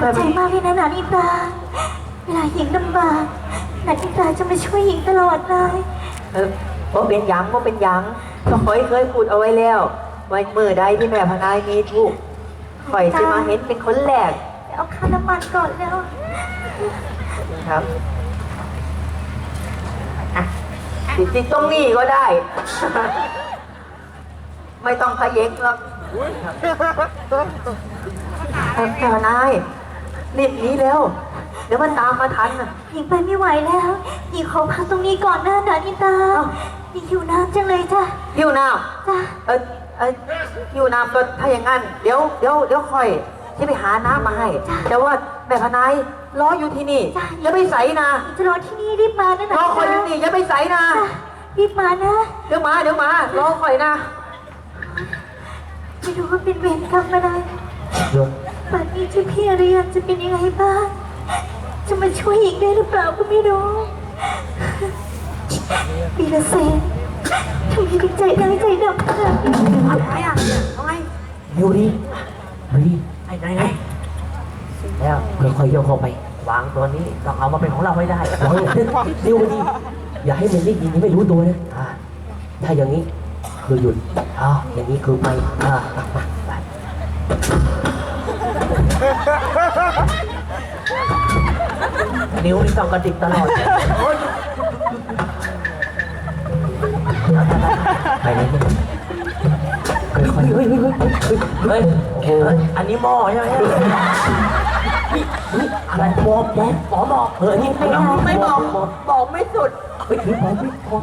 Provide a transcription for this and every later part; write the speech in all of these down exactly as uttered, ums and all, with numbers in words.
อบใจมากเลยนะนานิตาเวลาหญิงลำบากนานิตาจะมาช่วยหญิงตลอดเลยเออว่าเป็นยังว่าเป็นยังก็คอยเคยพูดเอาไว้แล้วไว้เมื่อใดที่แม่พนายมีทุกคอยจะมาเห็นเป็นคนแรกเอาค่าน้ำมันก่อนแล้วครับติดติดตรงนี้ก็ได้ ไม่ต้องพเยกหรอกแม่พนายรีบหนีแล้วเดี๋ยวมันตามมาทันหญิงไปไม่ไหวแล้วหญิงขอพักตรงนี้ก่อนนะนานิตาหญิงหิวน้ำจังเลยจ้ะหิวน้ำจ้ะเออเออหิวน้ำก็ถ้าอย่างนั้นเดี๋ยวเดี๋ยวเดี๋ยวค่อยที่ไปหาน้ำมาให้แต่ว่าแม่พนายรออยู่ที่นี่อย่าไปใส่นะจะรอที่นี่รีบมานะนะรอคอยอยู่นี่อย่าไปใส่นะรีบมานะเดี๋ยวมาเดี๋ยวมารอคอยนะไม่รู้ว่าเป็นเวรกรรมอะไรป่านนี้เจ้าพี่อริยันจะเป็นยังไงบ้างจะมาช่วยหญิงได้หรือเปล่าก็ไม่รู้ปีละเซนทำไมถึงใจร้ายใจดำขนาดนี้อะไรอ่ะทำไมเร็วดิเฮ้ยไอ้ไหนไหนแล้วค่อยๆโยกเข้าไปวางตัวนี้ต้องเอามาเป็นของเราไม่ได้วางเร็วดิอย่าให้มันได้ยินไม่รู้ตัวนะถ้าอย่างนี้คือหยุดอ่าอย่างนี้คือไปอ่านิ้วนี่ต้องกระดิกตลอดไปเลยค่อยๆเฮ้ยเฮ้ยเฮ้ยเฮ้ยโอ้โหอันนี้หม้อใช่ไหมนี่นี่อะไรบอกบอกหมอบอกเออนี่ไม่บอกไม่บอกบอกไม่สุดเฮ้ยบอกไม่บอก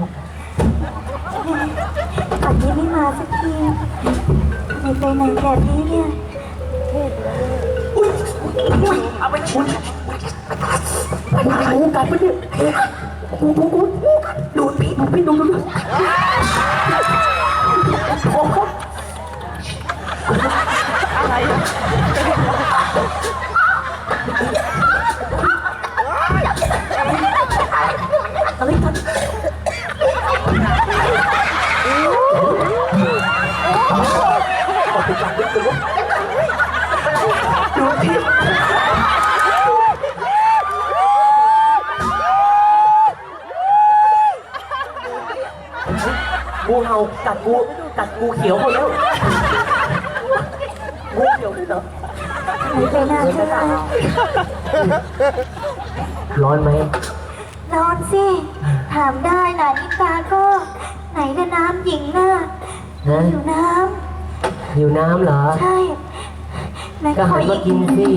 ป่านนี้ไม่มาสักทีไม่ไปไหนแบบนี้เนี่ยอุ้ยเอาไปชุนไปไหนกันไปเนี่ยกูกูกูดูปีดูปีดูดูดูอะไรอะไรกันดูปีงูเห่ากัดงูกัดงูเขียวหมดแล้วงูเขียวด้วยเหรอไม่ไปนานเท่าไหร่ร้อนไหมร้อนสิถามได้นานิตาก็ไหนจะน้ำหญิงน่ะหิวน้ำหิวน้ำเหรอใช่ก็หันมากินสิ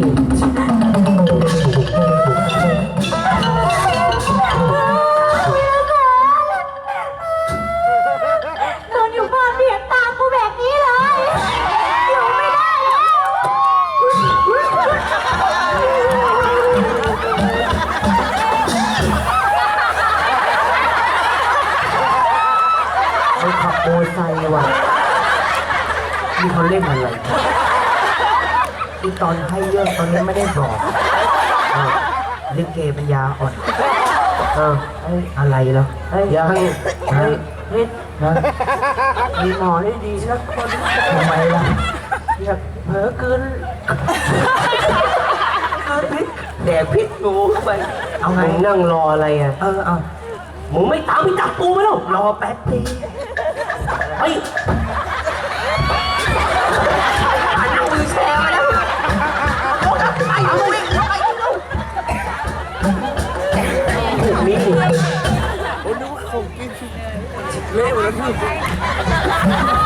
นอนอยู่บ้านเบียดตามกูแบบนี้เลยอยู่ไม่ได้แล้วเขาขับโมไซค์ว่ะนี่เขาเล่นอะไรอีตอนให้เยอะตอนนี้ไม่ได้บอกลิเกปัญญาอ่อนเอออะไรเหรอยังเฮ้ยเฮ้ยมีหมอได้ดีสักคนทำไมล่ะอยากเผลอกินพิษแดกพิษงูเข้าไปเอาไงนั่งรออะไรอ่ะเออเอามึงไม่ตามไม่จับกูไหมล่ะรอแป๊บนึงเฮ้ยนั่งมือแชร์มาแล้วไปเอาไปไปเอาถูกมีดโอ้นึกว่าของกินเละหมดแล้วพี่